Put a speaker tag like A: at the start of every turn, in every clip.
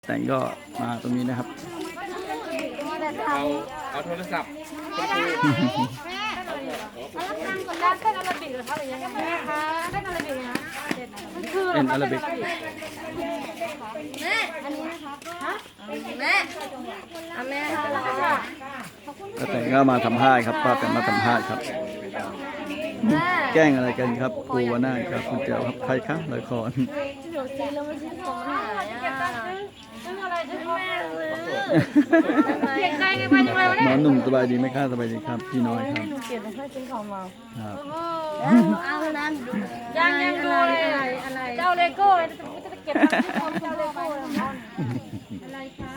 A: แต่งก็มาตรงนี้นะครับ
B: เอาโทรศัพท์
C: รับตังค์ก่อนนะเต้นอาราบิกเหรอคะหรือยังไงแม่คะเต้นอาราบิกนะมันคืออะไร
A: เอ็นอาราบิก
C: แม่อันนี้นะคะฮะแม่แม่ค่ะ
A: ป้าแต่งก็มาสัมภาษณ์ครับป้าแต่งมาสัมภาษณ์ครับ แกล้งอะไรกันครับครูวนาถครับคุณเจ้าครับใครครับละคร
C: หนูซื้อแล้วไม่ซื้อของหายซื้ออะไรซื้อแม่เลยเสียใจไงไปยังไงวะ
A: หม
C: เนี่
A: อย หนุ่มสบายดีไหมครับสบายดีครับพี่น้อยครับ
C: เก็บให้ซื้อของมา
A: ครับ
C: เอานั้นยังดูเลยอะไรเจ้าเลโก้จะเก็บของเจ้าเลโก้อะไรคะ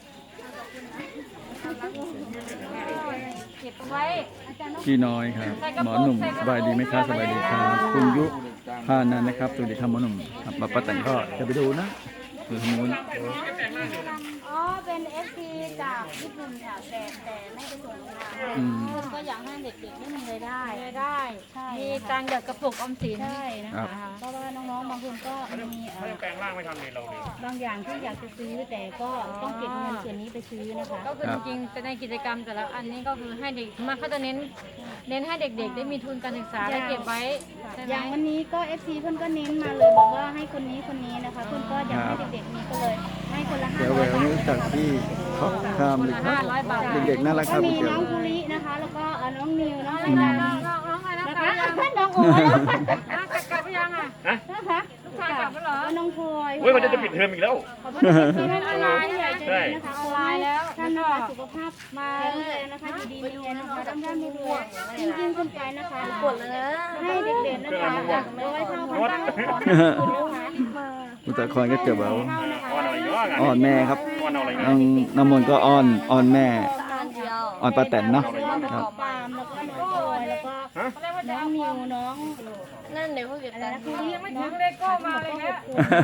C: เก็บไว้
A: พี่น้อยครับหมอหนุ่มสบายดีไหมครับสบายดีครับคุณยุพานันนะครับสวัสดีครับหมอหนุ่มครับป้าแต่งก็จะไปดูนะดูทางนู้น
C: อ๋อเป็นเอฟซีจากญี่ปุ่นค่ะแต่ไม่ไปส่งโรงงานคนก็อยากให้เด็กๆได้มีรายได้ใช่มีตังค์หยอดกระปุกออมสินใช่นะคะเพราะว่าน้องๆบางคนก็มี
B: แปลงร่างไม่ทำเลยเราเลย
C: บางอย่างที่อยากจะซื้อแต่ก็ต้องเก็บเงินส่วนนี้ไปซื้อนะคะก็คือจริงๆในกิจกรรมแต่ละอันนี้ก็คือให้เด็กมาเขาจะเน้นให้เด็กๆได้มีทุนการศึกษาและเก็บไว้อย่างวันนี้ก็ FC เพื่อนก็เน้นมาเลยบอกว่าให้คนนี้นะคะเพื่อนก็อยากให้เด็กๆมีก็เลยให้คนละ500
A: เดี๋ยวแหววนี่จากที่เขาข้ามเลยครับเด็กๆน่ารักครับ
C: มี
A: พี่เจ้า
C: น้องภูรินะคะแล้วก็น้องนิวน้องอะไรน้องน้องโอ๋กลับไปยังอ่ะนะคะกลับไปเหรอน้องพลอย
B: เฮ้ยมันจะปิดเทอมอีกแล้ว
C: ขอบคุณที่ออนไลน์ใหญ่ใจดีนะคะออนไลน์แล้วท่านนะคะสุขภาพมาแข็งแรงนะคะอยู่ดีมีแรงนะคะร่ำรวยจริงๆคนไปนะคะกดเลยนะให้เด็กๆนะคะเอาไว้เท่าพันตั้งของคุณนะคะ
A: อุตรคอนก็เจอแหวว
B: อ่อนอะไรเยอะ
A: อ่อนแม่ครับ
B: อ่อนอะไรเย
A: น้องน้ำมนต์ก็อ้อนแม่อ่อนป้าแตนเนาะครับ
C: ปาล์มแล้วก็น้องพลอยแล้วก็น้องนิวน้องนั่นเดี๋ยวเขาเก็บตังค์ยังไม่ถึงเลโก้มาเลยนะ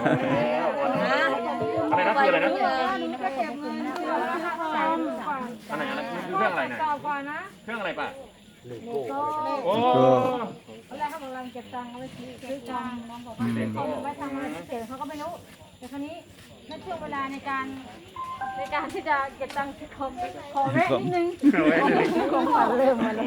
B: อะไรนะคืออะไรนะ
C: นะคะขอบคุณนะคะ
B: อันไหนคือเครื่องอะไรนะ
C: ต่อก่อนนะ
B: เครื่องอะไรป่ะ
C: เลโก้
B: โอ้
C: อะไรเขาบอกเราเก็บตังค์เอาไว้ซื้อตังค์น้องบอกว่าเขาไว้ทำอะไรพิเศษเขาก็ไม่รู้แต่คราวนี้ในช่วงเวลาในการที่จะเก็บตังค์ขอแวะนิดนึงของขวัญเริ่มมาแล้ว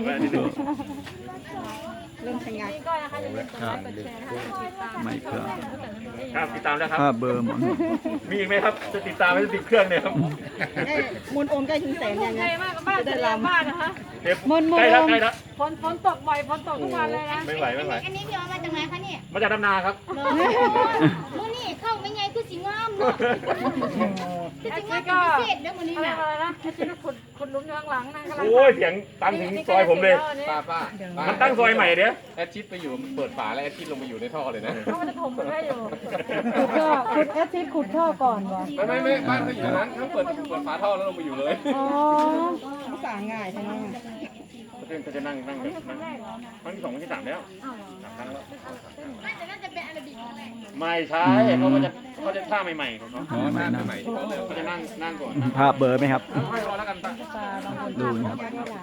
C: เริ่มทำงานนี่ก็นะคะจะเป็นกดไลค์กดแชร์นะคะติดตาม
A: ไม่เพื่อ
B: ครับติดตามแล้วครับ
A: ภาพเบอร์หมอหนุ่ม
B: มีอีกไหมครับจะติดตามไม่ติดเครื่องเนี่ยครับ
C: มนโอนใกล้ถึงแสนยังไงมากบ้านจะลำบ้านนะคะ
B: ใกล้แล้วใกล้แล้ว
C: ฝนตกบ่อยฝนตกทุกวันเลยนะ
B: ไม่ไหว
C: อันนี้พี่เอามาจากไหนคะเนี่ย
B: มาจากดำนาครับ
C: มื้อนี่เข้าไม่ไงคือสิงามเนาะคือสิงามพิเศษเด้อมื้อนี้น่ะอะไรนะที่ขุดหลุมอยู่ข้างหลังนะกำลัง
B: โอ้ยเสียงตังถึงซอยผมเลย
D: ป้า
B: มันตั้งซอยใหม่เดี๋ยว
D: แอดชิดไปอยู่เปิดฝาแล้วแอดชิดลงไปอยู่ในท่อเลยนะ
C: เขาจะถมมันได้อยู่
E: ขุดแอซิดขุดท่อก่อนวะ
D: ไม่บ้านเขาอยู่ตรงนั้นทั้งเปิดฝาท่อแล้วลงไปอยู่เลย
E: อ๋อสางง่ายใช่ไหม
B: เขาจะนั่งครั้งที่2ครั้งที่3แล้ว3ครั้งแล้ว
C: น่าจะเป็นอาราบิกอะไร
B: ไม่ใช่เขาจะท่าใหม่ๆของเขา
D: อ๋อหน้าใหม่ที่เขาเลย
B: เขาจะนั่งก่อน
A: ภาพเบอร์ไหมครับ
B: ค่อยรอแล้วกันป้า
A: ดูนะครับ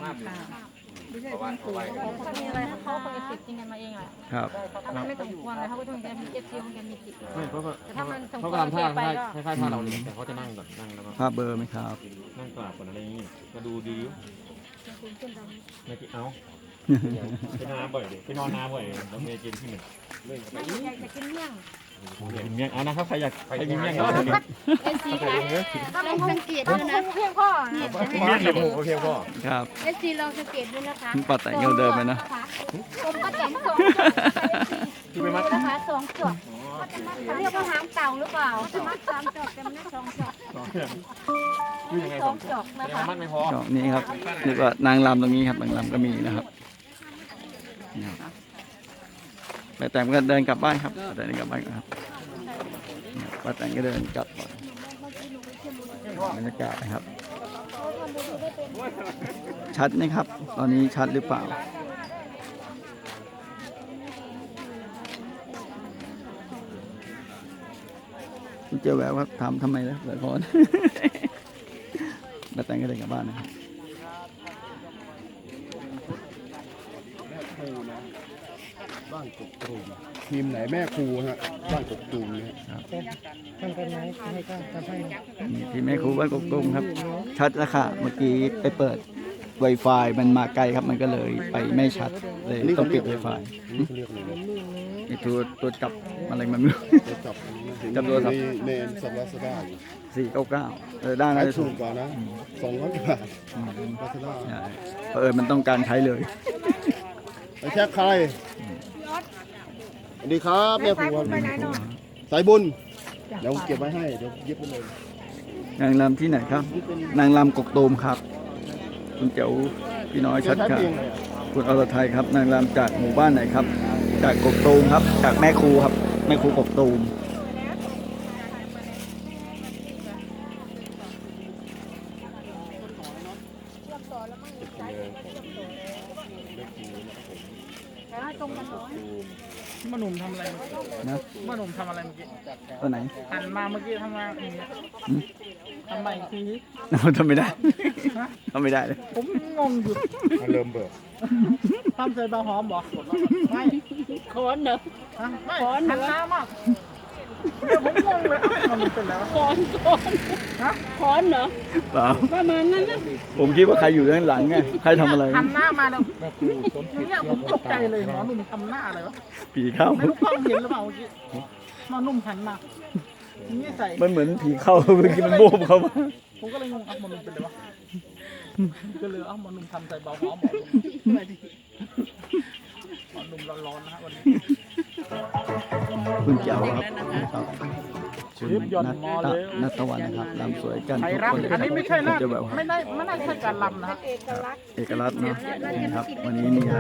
C: เขามีอะไรเขาคงจะติดจริงกันมาเองแหละ
A: ครับ
C: ถ้ามันไม่สมควรเลยเขาก็ต้องจะมีเอฟซีมันจะมีติด
D: ไม่เพราะว่า
C: แต่ถ้ามันสมคว
D: เขา
C: ร
D: ก็ทำท่า
C: ไป
D: คล้ายๆท่าเราเลยแต่เขาจะนั่งก่อนนั่งแล้วก็
A: ภาพเบอร์ไหมครับ
D: นั่งกราบก่อนอะไรอย่างงี้มาดูดีไม่ติเอาไปน้ำบ่อยดิไปนอนน้ำบ่อยแล้วเมย์กินที่หนึ่งเล่นไป
C: อยากจะกินเมี่ยง
D: กินเมี่ยงเอานะครับใครอยากกินเมี่ยงก็
C: เอฟซีค่ะถ้าลองสังเกตด้วยนะเพียงพ่อเนี่ย
D: เมี่ยงเลยโอเคพ่อ
A: ครับ
C: เอฟซีลองสังเกตด้วยนะคะ
A: ป้าแต่งยังเดิมเลยนะ
C: ผมก็แต่งสอง
D: ที่ไปมัด
C: นะคะสองจอกเรียกว่าหางเต่าหรือเปล่ามัดสามจอกแต่มันได้สองจอก
D: คือยังไง
C: สองจอกนะ
D: แต่
C: คะ
D: มัดไม่พอ
A: ก็นี่ครับนี่ก็นางรำตรงนี้ครับนางรำก็มีนะครับนี่ครับป้าแต่งก็เดินกลับบ้านครับป้าแต่งเดินกลับบ้านครับนี่ป้าแต่งก็เดินกลับบรรยากาศนะครับ ชัดไหมครับ ตอนนี้ชัดหรือเปล่าคุณเจอแววครับถามทำไมแล้วละคร ป้าแต่งก็เดินกลับบ้านนะครับ
D: บ้าน
F: านกกตูมทีมไหนแม่ครูฮะบ้านกกตูมเนี่ย
E: ทำกันไหมให้ก็ทำให้
A: นี่ที่แม่ครูบ้านกกตูมครับ ชัดแล้วค่ะเมื่อกี้ไปเปิด Wi-Fi มันมาไกลครับมันก็เลยไปไม่ชัดเลยต้องปิด Wi-Fi
F: นี่เขาเรียกอะไรนะ
A: ไอ้ตัวจับอะไรมันไม่รู้
F: จะจับ
A: จับโทรศัพท์
F: ในสัปดาห์สดาอยู่
A: 499ได้
F: ขา
A: นะ
F: ยถูกกว่านะ200 บาทลาซาด้า
A: ใช่มันต้องการใช้เลย
F: ไปแค่ใครสวัสดีครับแม่ครูสายบุญเดี๋ยวเก็บไว้ให้เดี๋ยวยึดไปเลย
A: นางรำที่ไหนครับ นางรำกกตูมครับ คุณเจ๋วพี่น้อยชัดค่ะคุณอรไทยครับ นางรำจากหมู่บ้านไหนครับ จากกกตูมครับ จากแม่ครูครับ แม่ครูกกตูม
E: มาหนุ่มทำอะไร
A: นะ
E: มาหนุ่มทำอะไรเมื่อกี้
A: ตัวไหน
E: หันมาเมื่อกี้ทำงานอย่างเงี้ยทำไมทีนี้
A: ทำไม่ได้ทำไม่ได้เลย
E: ผมงงอยู่
F: เริ่มเบิก
E: ทำใส่บาหอมบอกไม่
C: โคนเนอะ
E: ไม่หันหน้ามากเดี๋ยวผมงงเลยมันเป็นแล้ว
C: โคนเนอะ
A: เปล่า
C: ประมาณนั้นนะ
A: ผมคิดว่าใครอยู่ด้านหลังไงใครทำอะไร
E: หันหน้ามาแล้วเนี่ยผมตกใจเลยหมอหนุ่มทำหน้าอะไรวะ
A: ผีเข้า
E: ไม่รู้กล้องเห็นหรือเปล่าเมื่อกี้หมอหนุ่มหันมานี่ใส่
A: มันเหมือนผีเข้าเมื่อกี้มันโบมเข้ามา
E: ผมก็เลยงงหมอหนุ่มเป็นไรวะก็เลยหมอหนุ่มทำใส่เบาหอมหมอหนุ่มร้อนๆนะฮะวันนี้
A: คุณเจ๋วครับคุณนัทวันนะครับรำสวยกัน
E: ไทย
A: ทุก
E: รัฐ
A: คนเลย
E: อันนี้ไม่ใช่นะ
A: จะแบบ
E: ไม่น่าใช่การลำนะฮะ
A: เอกลักษณ์เนาะนี่ครับ วันนี้มีอะไร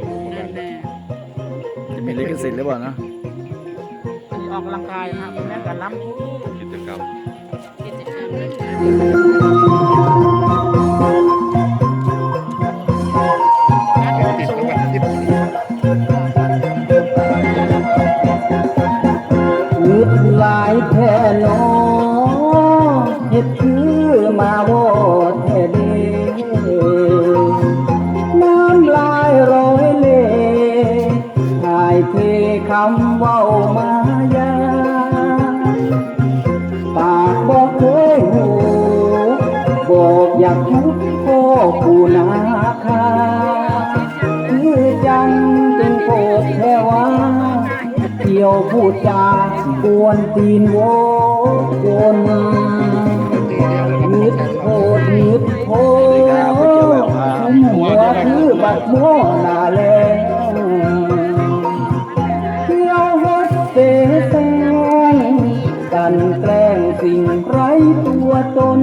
A: จะมีลิขสิทธิ์หรือเปล่านะ
E: อันนี้ออกกำลังกายนะฮะเป็นแม่การลำ
D: กิจกรรม
G: นึกหลายแท่นอเฮ็ดคือมาโวดแท้เดีน้ำลายร้อยเล่ถ่ายเทคำเว้ามายาปากบอกเคยหูบอกอยากทุกพ่อผู้นาคาคือจังจึงโปรดแค่ว่าเกี่ยวพูดจากวนตีนโววนนึดโพดนึดโพหัวคือบัดโมนาแลเที่ยวฮัดเสแสร้งกันแกล้งสิ่งไร้ตัวตน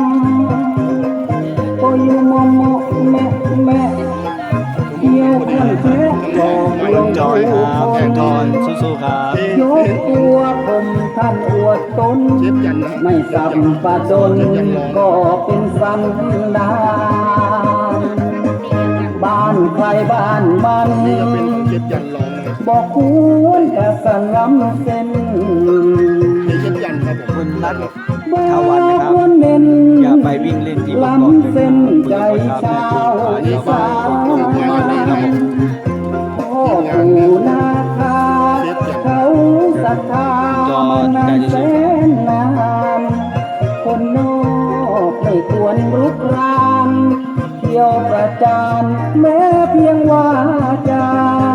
G: พออยู่มอมแม่แม่เที่ยวคนแท้บอกลง
A: จอยครับแองทอนสู้ๆครับ
G: ยกตัวผมท่านอวดตนไม่สัมปะดนก็เป็นสันดานบ้านใครบ้านมัน
F: นี่จะเป็นของเจ็ดยันร้องนะ
G: บอกควรแต่สลัมเส้น
F: เจ็ดยันครับผม
A: คุณนัท
G: บอก
A: ทวันนะครับ
G: ควรเน้น
A: อย่าไปวิ่งเล่นที่บนเกาะ
G: ล้ำ
A: เลย
G: เส้น
A: ค
G: ใจ
A: รับ
G: ชาว
A: แม่
G: อี
A: ครู
G: สาน พ่อปู่นาคาเขาศรัทธามานานแสนนานคนนอกไม่ควรรุกรานเที่ยวประจานแม้เพียงว่าจา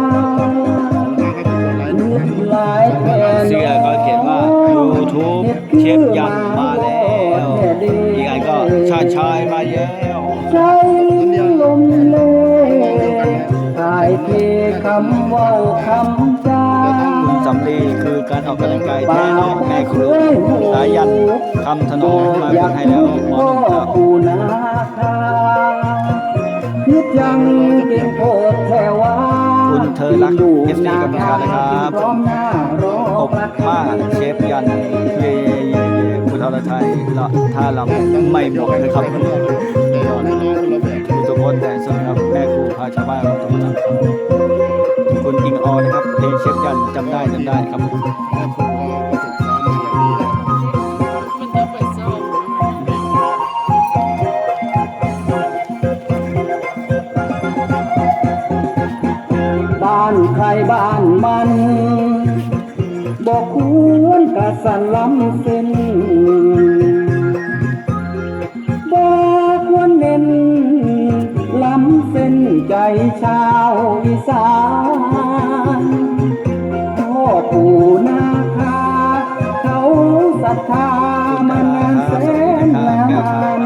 G: นึกหลายแค่น
A: เสื้อก็เขียนว่า YouTube เชฟยันมาแล้วอีกอันก็ชาติชายมาแล้ว
G: ใจลมเลถ่ายเทคำเว้าคำจา
A: คุณสำลีคือการออกกำลังกายแท้น้องแม่ครูสายันคำถนอมมาเป็นให้แล้วหมอหนุ่มครับ
G: ผู้นาคาคิดยังเป็นโพดแค่ว่า
A: คุณเธอรัก FC กำลังการนะครับ
G: พร้อมหน้ารอ
A: ขอบมากเชฟยันเย่เย่เย่คุณอรไทยละถ้าเราไม่หมดนะครับทุกคนแต่สำหรับแม่ครูพาชาวบ้านเราตรงนั้นคุณอิงออนะครับเพลงเชฟยันจำได้ครับ
F: แม่ครูก็ฝึกซ้อมมาอย่างดีนะ
G: บ้านใครบ้านมัสันล้ำเส้นบ่ควรเน้นล้ำเส้นใจชาวอีสานพ่อปู่นาคาเขาศรัทธามานานแสนนาน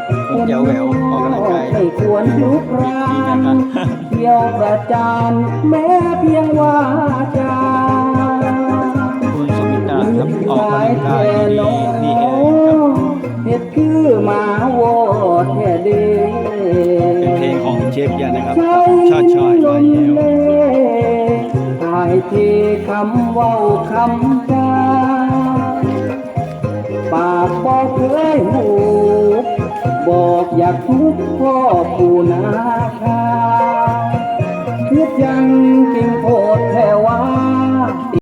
G: ไม่ควรลุกรานเที่ยวประจานแม้เพียงว่าจา
A: คุณสมิตาครับออกกำลังกายดีเองครับ
G: เฮ็ดคือหมาโวดแท้เด้
A: เป็นเพลงของเชฟยันนะครับชาติชายไปแล้ว
G: ตายที่คำเว้าคำจาปากบอกเคยหูบอกอยากทุกพ่อปู่นาคาคิดยังจริง